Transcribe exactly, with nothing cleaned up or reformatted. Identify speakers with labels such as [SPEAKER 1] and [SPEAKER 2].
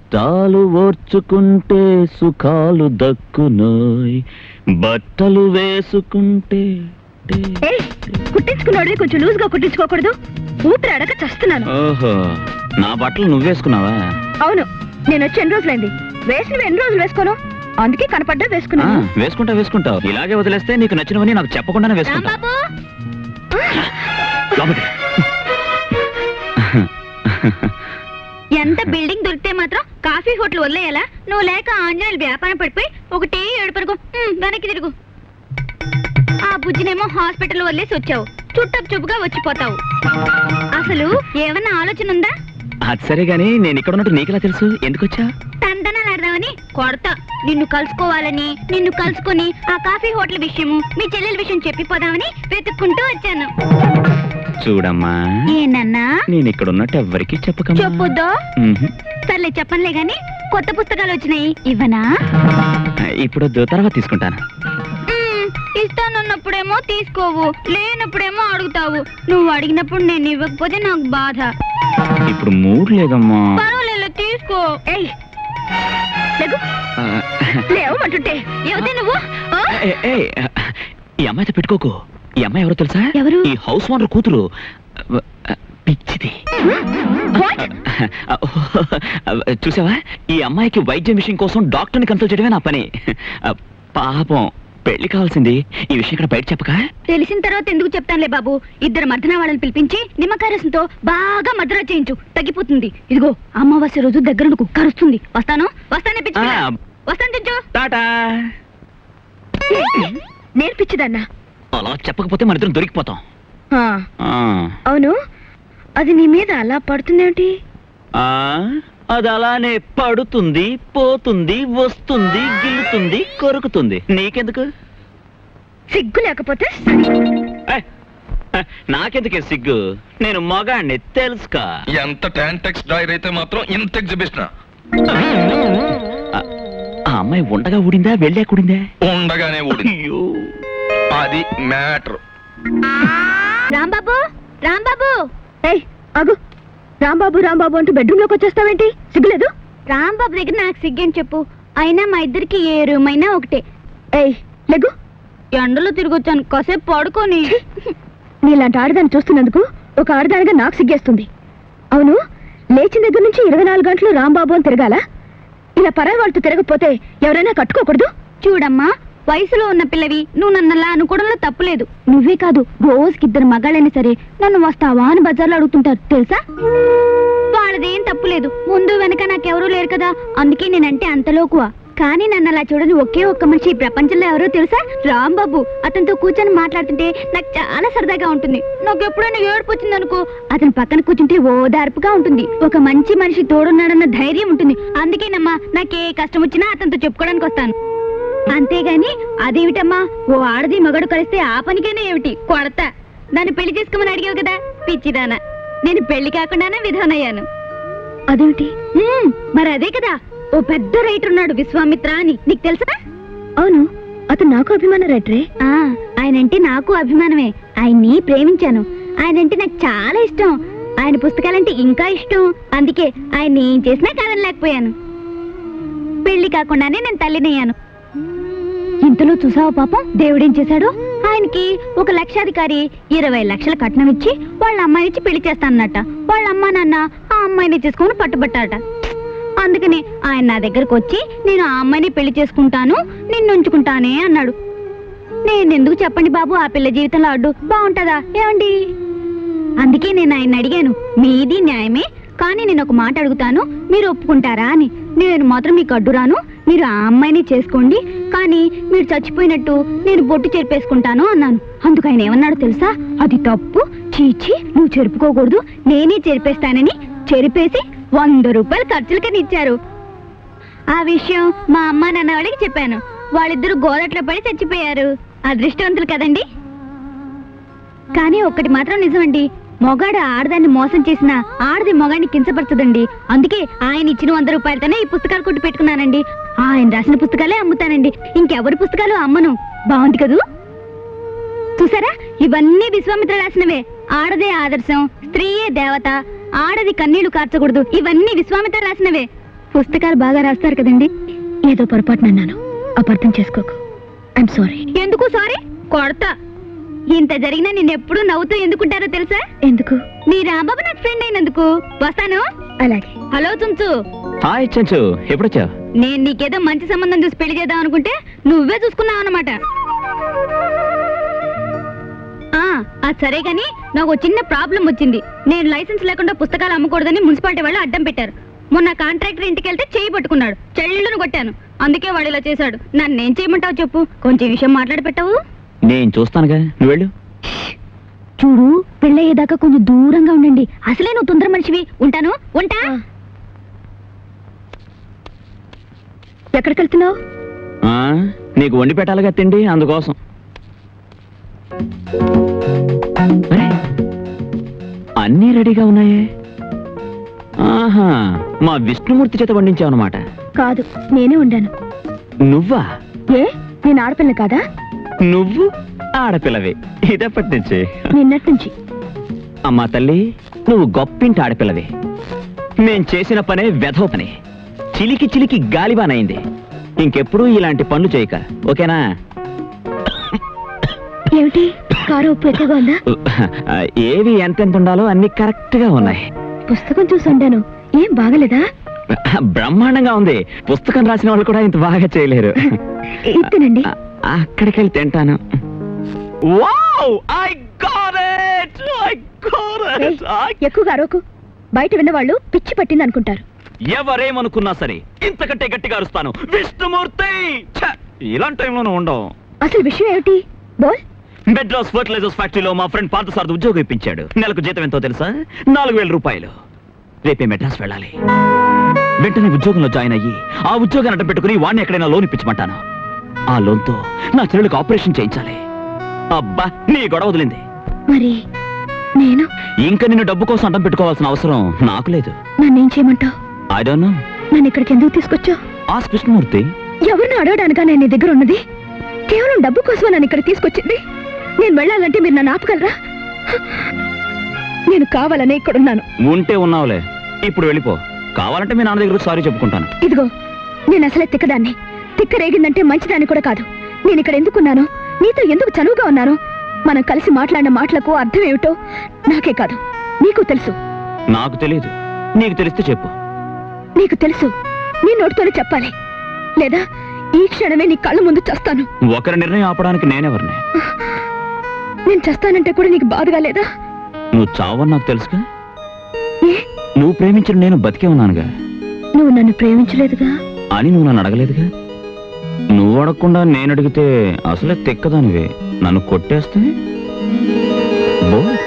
[SPEAKER 1] కష్టాలు ఓర్చుకుంటే సుఖాలు దక్కునోయ్, బట్టలు వేసుకుంటే.
[SPEAKER 2] కుట్టించుకున్నాడు కొంచెం లూజ్ గా కుట్టించుకోకూడదు, ఊపిరి అడగ చస్తున్నాను.
[SPEAKER 1] ఓహో, నా బట్టలు నువ్వేసుకున్నావా?
[SPEAKER 2] అవును, నేను వచ్చి ఎన్ని రోజులైంది, వేసినవి ఎన్ని రోజులు వేసుకోను, అందుకే కనపడ్డా వేసుకున్నాను.
[SPEAKER 1] వేసుకుంటా వేసుకుంటావు, ఇలాగే వదిలేస్తే నీకు నచ్చినవని నాకు చెప్పకుండానే వేసుకుంటా.
[SPEAKER 2] ఎంత బిల్డింగ్ దొరికితే మాత్రం కాఫీ హోటల్ వదిలేయాలా? నువ్వు లేక ఆంజనేయులు వ్యాపారం పడిపోయి ఒకటే ఏడుపరుగు వెనక్కి తిరుగు. ఆ బుజ్జినేమో హాస్పిటల్ వదిలేసి వచ్చావు, చుట్టపు చూపుగా వచ్చిపోతావు. అసలు ఏమన్నా ఆలోచన ఉందా?
[SPEAKER 1] అది సరే గానీ నేను ఇక్కడ ఉన్నట్టు నీకెలా తెలుసు? ఎందుకు వచ్చా?
[SPEAKER 2] తందనాలు ఆడదామని కొడతా. నిన్ను కలుసుకోవాలని, నిన్ను కలుసుకుని ఆ కాఫీ హోటల్ విషయము మీ చెల్లెల విషయం చెప్పిపోదామని వెతుక్కుంటూ వచ్చాను.
[SPEAKER 1] చూడమ్మా,
[SPEAKER 2] ఏనన్నా
[SPEAKER 1] నేను ఇక్కడ ఉన్నట్టు ఎవ్వరికి చెప్పకమ్మా.
[SPEAKER 2] చెప్పొద్దు. సర్లే చెప్పనులే గాని కొత్త పుస్తకాలు వచ్చినాయి, ఇవ్వనా?
[SPEAKER 1] ఇప్పుడు తర్వాత తీసుకుంటాను.
[SPEAKER 2] ఇస్తానన్నప్పుడేమో తీసుకోవు, లేనప్పుడేమో అడుగుతావు. నువ్వు అడిగినప్పుడు నేను ఇవ్వకపోతే నాకు బాధ.
[SPEAKER 1] ఇప్పుడు మూడ్ లేదమ్మా.
[SPEAKER 2] పర్వాలేదు, తీసుకో. లేవమంటుంటే ఎవతే నువ్వు?
[SPEAKER 1] ఈ అమ్మాయితో పెట్టుకోకు. ఈ అమ్మాయి ఎవరో తెలుసా?
[SPEAKER 2] ఎవరు?
[SPEAKER 1] ఈ హౌస్ ఓనర్ కూతురు. పిచ్చిది. చూసావా, ఈ అమ్మాయికి వైద్యం విషయం కోసం డాక్టర్ని కన్సల్ట్ చేయడమే నా పని. పాపం, పెళ్లి కావాల్సింది. ఈ విషయం ఇక్కడ బయట చెప్పక? తెలిసిన తర్వాత ఎందుకు చెప్తానులే బాబు. ఇద్దరు మర్దన వాళ్ళని పిలిపించి నిమ్మకాయ రసంతో బాగా మద్రా చేయించు, తగ్గిపోతుంది. ఇదిగో అమావాస్య రోజు దగ్గర కుక్క అరుస్తుంది. వస్తాను వస్తానే పిచ్చి వస్తాను తెచ్చు. టాటా. నేర్పించదన్నా. అలా చెప్పకపోతే మన ఇద్దరం దొరికిపోతాం.
[SPEAKER 2] అవును, అది నీ మీద అలా పడుతుందేమిటి?
[SPEAKER 1] అది అలానే పడుతుంది, పోతుంది, వస్తుంది, గిల్లుతుంది, కొరుకుతుంది. నీకెందుకు?
[SPEAKER 2] సిగ్గు లేకపోతే
[SPEAKER 1] నాకెందుకే సిగ్గు? నేను మగాణ్ణి, తెలుసుకా.
[SPEAKER 3] ఎంత టాంటెక్స్ డైర్ అయితే మాత్రం ఇంత ఎగ్జిబిషన్.
[SPEAKER 1] ఆ అమ్మాయి ఉండగా ఊడిందా, వెళ్ళా కూడిందా?
[SPEAKER 3] ఉండగానే ఊడింది. అది మ్యాటర్.
[SPEAKER 2] రాంబాబు, రాంబాబు, అగు. రాంబాబు రాంబాబు అంటూ బెడ్రూమ్ లోకి వచ్చేస్తావేంటి? సిగ్గులేదు? రాంబాబు దగ్గర నాకు సిగ్గని చెప్పు. అయినా మా ఇద్దరికి ఏ రూమ్ అయినా ఒకటే. ఏయ్ లెగ్గు. ఎండలో తిరిగొచ్చాను, కాసేపు పడుకొని. నీలాంటి ఆడదాన్ని చూస్తున్నందుకు ఒక ఆడదానిగా నాకు సిగ్గేస్తుంది. అవును, లేచిన దగ్గర నుంచి ఇరవై నాలుగు గంటలు రాంబాబు అని తిరగాల? ఇలా పరాయి వాళ్ళతో తిరగకపోతే ఎవరైనా కట్టుకోకూడదు? చూడమ్మా, వయసులో ఉన్న పిల్లవి, నువ్వు నన్నలా అనుకోవడంలో తప్పులేదు. నువ్వే కాదు, రోజుకి ఇద్దరు మగాళ్ళైనా సరే నన్ను వస్తావా అని బజార్లో అడుగుతుంటారు, తెలుసా? వాళ్ళదేం తప్పులేదు, ముందు వెనక నాకెవరూ లేరు కదా, అందుకే నేనంటే అంతలోకువా. కానీ నన్ను అలా చూడని ఒకే ఒక్క మనిషి ఈ ప్రపంచంలో ఎవరో తెలుసా? రాంబాబు. అతనితో కూర్చొని మాట్లాడుతుంటే నాకు చాలా సరదాగా ఉంటుంది. నాకు ఎప్పుడైనా ఏడుపు వచ్చిందనుకో, అతని పక్కన కూర్చుంటే ఓదార్పుగా ఉంటుంది. ఒక మంచి మనిషి తోడున్నాడన్న ధైర్యం ఉంటుంది. అందుకేనమ్మా నాకే కష్టం వచ్చినా అతనితో చెప్పుకోవడానికి వస్తాను. అంతేగాని అదేమిటమ్మా, ఓ ఆడది మగడు కలిస్తే ఆ పనికైనా ఏమిటి కొడతా. దాన్ని పెళ్లి చేసుకోమని అడిగావు కదా పిచ్చిదానా, నేను పెళ్లి కాకుండానే విధానయ్యాను. అదేమిటి? మరి అదే కదా, ఓ పెద్ద రైటర్ ఉన్నాడు విశ్వామిత్ర అని, నీకు తెలుసా? అవును, అతను నాకు అభిమాన రైటరే. ఆయనంటే నాకు అభిమానమే. ఆయన్ని ప్రేమించాను. ఆయనంటే నాకు చాలా ఇష్టం. ఆయన పుస్తకాలంటే ఇంకా ఇష్టం. అందుకే ఆయన్ని ఏం చేసినా కాదనలేకపోయాను. పెళ్లి కాకుండానే నేను తల్లినయ్యాను. ఇంతలో చూసావా పాపం దేవుడేం చేశాడు? ఆయనకి ఒక లక్షాధికారి ఇరవై లక్షల కట్నం ఇచ్చి వాళ్ళ అమ్మాయినిచ్చి పెళ్లి చేస్తానన్నట. వాళ్ళ అమ్మా నాన్న ఆ అమ్మాయిని చేసుకుని పట్టుబట్టారట. అందుకని ఆయన నా దగ్గరకు వచ్చి నేను ఆ అమ్మాయిని పెళ్లి చేసుకుంటాను, నిన్ను ఉంచుకుంటానే అన్నాడు. నేనెందుకు చెప్పండి బాబు ఆ పిల్ల జీవితంలో అడ్డు? బాగుంటదా ఏమండి? అందుకే నేను ఆయన అడిగాను, మీది న్యాయమే, కానీ నేను ఒక మాట అడుగుతాను, మీరు ఒప్పుకుంటారా అని. నేను మాత్రం మీకు అడ్డురాను, మీరు ఆ అమ్మాయిని చేసుకోండి, కానీ మీరు చచ్చిపోయినట్టు నేను బొట్టు చెరిపేసుకుంటాను అన్నాను. అందుకు ఆయన ఏమన్నాడు తెలుసా? అది తప్పు, చీచి నువ్వు చెరుపుకోకూడదు, నేనే చెరిపేస్తానని చెరిపేసి వంద రూపాయలు ఖర్చులకని ఇచ్చారు. ఆ విషయం మా అమ్మ నాన్న వాళ్ళకి చెప్పాను. వాళ్ళిద్దరూ గోదట్లో పడి చచ్చిపోయారు. అదృష్టవంతులు కదండి. కానీ ఒక్కటి మాత్రం నిజమండి, మొగాడు ఆడదాన్ని మోసం చేసిన ఆడది మొగాడిని కించపడుతుందండి. అందుకే ఆయన ఇచ్చిన వంద రూపాయలతోనే ఈ పుస్తకాలు కొట్టి పెట్టుకున్నానండి. ఆయన రాసిన పుస్తకాలే అమ్ముతానండి, ఇంకెవరి పుస్తకాలు అమ్మను. బాగుంది కదూ? చూసారా, ఇవన్నీ విశ్వామిత్ర రాసినవే. ఆడదే ఆదర్శం, స్త్రీయే దేవత, ఆడది కన్నీళ్లు కార్చకూడదు, ఇవన్నీ విశ్వామిత్ర రాసినవే. పుస్తకాలు బాగా రాస్తారు కదండి. ఏదో పొరపాటున అన్నాను, అపార్థం చేసుకోకు. I'm sorry. ఎందుకు సారీ? కొడతా. ఇంత జరిగినా నేను ఎప్పుడు నవ్వుతూ ఎందుకుంటారో తెలుసా? ఎందుకు? నీ రాంబాబు నాకు ఫ్రెండ్ అయినందుకు. వస్తాను. అలాగే. హలో తుంచు.
[SPEAKER 1] హాయ్ చెంచు, ఎప్పుడొచ్చావు?
[SPEAKER 2] నేను నీకేదో మంచి సంబంధం చూసి పెళ్లి చేద్దాం అనుకుంటే నువ్వే చూసుకున్నావు అన్నమాట. ఆ, అది సరే గాని నాకు ఒక చిన్న ప్రాబ్లం వచ్చింది. నేను లైసెన్స్ లేకుండా పుస్తకాలు అమ్మకూడదని మున్సిపాలిటీ వాళ్ళు అడ్డం పెట్టారు. మొన్న కాంట్రాక్టర్ ఇంటికి వెళ్తే చేయి పట్టుకున్నాడు, చెల్లును కొట్టాను. అందుకే వాడు ఇలా చేశాడు. నన్నేం చేయమంటావు చెప్పు? కొంచెం ఈ విషయం మాట్లాడి పెట్టావు.
[SPEAKER 1] నేను చూస్తానుగా, నువ్వు వెళ్ళు.
[SPEAKER 2] చూడు, పెళ్ళయ్యేదాకా కొంచెం దూరంగా ఉండండి. అసలే నువ్వు తొందర మనిషివి. ఉంటాను. ఉంటా. ఎక్కడికి వెళ్తున్నావు?
[SPEAKER 1] ఆ, నీకు వండి పెట్టాలిగా తిండి, అందుకోసం. అరే, అన్నీ రెడీగా ఉన్నాయే. ఆహా, మా విష్ణుమూర్తి చేత వండించావు అనమాట.
[SPEAKER 2] కాదు, నేనే ఉండాను.
[SPEAKER 1] నువ్వా?
[SPEAKER 2] ఏ, నేను ఆడపిల్ల కాదా?
[SPEAKER 1] నువ్వు ఆడపిల్లవి ఇదప్పటి నుంచి.
[SPEAKER 2] నిన్నటి నుంచి.
[SPEAKER 1] అమ్మా తల్లి, నువ్వు గొప్పింటి ఆడపిల్లవి. మేం చేసిన పనే వెధవ పని. చిలికి చిలికి గాలిబానైంది. ఇంకెప్పుడు ఇలాంటి పనులు చేయక, ఓకేనా?
[SPEAKER 2] ఏమిటి, కారు ఉప్పు ఎక్కువగా ఉందా?
[SPEAKER 1] ఏవి ఎంతెంత ఉండాలో అన్ని కరెక్ట్ గా ఉన్నాయి.
[SPEAKER 2] పుస్తకం చూసి ఉండాను. ఏం బాగలేదా?
[SPEAKER 1] బ్రహ్మాండంగా ఉంది. పుస్తకం రాసిన వాళ్ళు కూడా ఇంత బాగా చేయలేరు.
[SPEAKER 2] ఇత్తనండి.
[SPEAKER 1] అక్కడికి వెళ్ళి తింటాను. Wow, I got it! I got it! I-
[SPEAKER 2] ఎక్కువగా అరవకు. బయట విన్నవాళ్ళు పిచ్చి పట్టింది అనుకుంటారు.
[SPEAKER 1] ఎవరేమనుకున్నా సరే ఇంతకంటే గట్టిగా అరుస్తాను. విష్ణుమూర్తి! ఛ! ఇలాంటి టైంలోనూ ఉండవు.
[SPEAKER 2] అసలు విషయం ఏమిటి? బోల్.
[SPEAKER 1] మెడ్రాస్ ఫర్టిలైజర్స్ ఫ్యాక్టరీలో మా ఫ్రెండ్ పార్థసారథి ఉద్యోగం ఇప్పించాడు. నెలకు జీతం ఎంతో తెలుసా? నాలుగు వేల రూపాయలు. రేపే మెడ్రాస్ వెళ్ళాలి. వెంటనే ఉద్యోగంలో జాయిన్ అయ్యి ఆ ఉద్యోగాన్ని అడ్డం పెట్టుకుని వాడిని ఎక్కడైనా లోన్ ఇప్పించమంటాను. ఆ లోన్తో నా చెల్లెలకు ఆపరేషన్ చేయించాలి. అబ్బా, నీ గొడవ వదిలింది.
[SPEAKER 2] మరి నేను
[SPEAKER 1] ఇంకా నిన్ను డబ్బు కోసం అడ్డం పెట్టుకోవాల్సిన అవసరం నాకు లేదు.
[SPEAKER 2] నన్నేం చేయమంటావు?
[SPEAKER 1] I don't know.
[SPEAKER 2] నన్ను ఇక్కడికి ఎందుకు తీసుకొచ్చావు?
[SPEAKER 1] ఆస్క్ కృష్ణమూర్తి.
[SPEAKER 2] ఎవరిని అడగడానికా నేను నీ దగ్గర ఉన్నది? కేవలం డబ్బు కోసం నన్ను ఇక్కడ తీసుకొచ్చింది. నేను వెళ్ళాలంటే మీరు నన్ను ఆపగలరా? నేను కావాలనే ఇక్కడున్నాను.
[SPEAKER 1] ఉంటే ఉన్నావులే, ఇప్పుడు వెళ్ళిపో. కావాలంటే మీ నాన్న దగ్గర సారీ చెప్పుకుంటాను.
[SPEAKER 2] ఇదిగో, నేను అసలే తిక్కదాన్ని. తిక్క రేగిందంటే మంచిదాన్ని కూడా కాదు. నేను ఇక్కడ ఎందుకున్నాను, నీతో ఎందుకు చనువుగా ఉన్నాను, మనం కలిసి మాట్లాడిన మాటలకు అర్థం ఏమిటో నాకే కాదు నీకు తెలుసు.
[SPEAKER 1] నాకు తెలియదు, నీకు తెలిస్తే చెప్పు.
[SPEAKER 2] నీకు తెలుసు, నీ నోటితోనే చెప్పాలి. లేదా ఈ క్షణమే నీ కళ్ళ ముందు చస్తాను.
[SPEAKER 1] ఒకరి నిర్ణయం ఆపడానికి నేనెవరిని?
[SPEAKER 2] నేను చస్తానంటే కూడా నీకు బాధగా లేదా?
[SPEAKER 1] నువ్వు చావని నాకు తెలుసుగా.
[SPEAKER 2] ఏ,
[SPEAKER 1] నువ్వు ప్రేమించిన నేను బతికే ఉన్నానుగా.
[SPEAKER 2] నువ్వు నన్ను ప్రేమించలేదుగా
[SPEAKER 1] అని నువ్వు నన్ను అడగలేదుగా. నువ్వు అడగకుండా నేను అడిగితే అసలే తెక్కదానివే. నన్ను కొట్టేస్తే బో